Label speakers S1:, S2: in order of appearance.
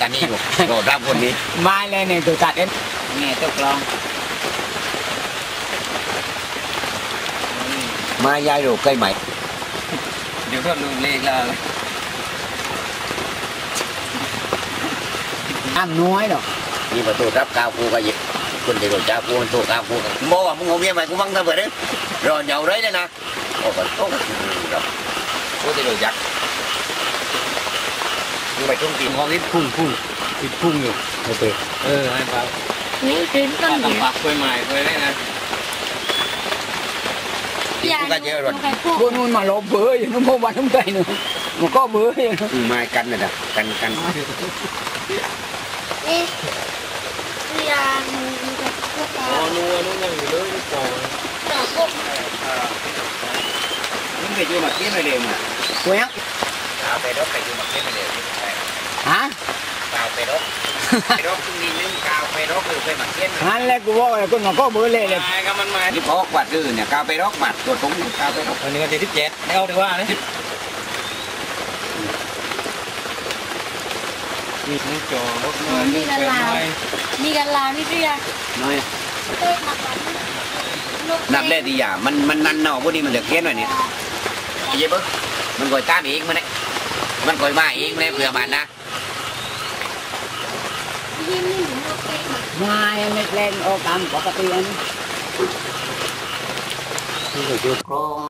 S1: การนี้อยู่โดดรับคนนี้มาเลยเนี่ยตัวจัดเอ็นเนี่ยตกลองมายายโดดใกล้ไหมเดี๋ยวก็ลืมเลขแล้วอ้ำน้อยหรอกนี่ประตูรับกาวกูก็หยิบคนเดียวจ้ากูมันตัวกาวกูโม่มึงเอาเมียใหม่กูฟังเธอเปิดเลยรอเหนียวเลยนะโอ้โหโอ้โหกูจะโดนยักษ์มึงไปทุ่งตีนมองนิดพุ่งติดพุ่งอยู่โอเคให้เปล่า
S2: นี่คือต้นเดียว
S1: ปักกล้วยไม้กล้วยได้นะกูก็เยอะรถกูนู่นมาลบเบอร์อยู่นู่นพวกวันทั้งใจหนึ่งมันก็เบอร์อยู่ไม้กันน่ะนะกัน
S2: เอ๊ะยาง
S1: นัวยังอยู่เลยก่อนมึงไปอยู่มาเกี้ยนไปเร็วมั้ยกูยังเอาไปรถไปอยู่มาเกี้ยนไปเร็วฮะเอาไปรถตรงนี้นึงกาวไปรถคือไปมาเกี้ยนนั่นแหละกูบอกเลยกูมันก็เบอร์เลยเลยก็มันมาที่พอกวัดดื้อเนี่ยกาวไปรถหมัดตัวตรงกาวไปรถอันนี้ก็ที่17แล้วดีว่าเลยมีทั้งจอรถ
S2: มีกันลาวนี่เรียก
S1: น้อยนับเล่ดีอ่ะมันนั่นเนาะพวกนี้มันเหลือเกี้ยนหน่อยเนี่ยเยอะปะมันก่อยตามอีกมันเนี่ยมันก่อยมาอีกเลยเผื่อมันนะมาเล็กๆโอ้กำปกติอันนี้คือจุดโครง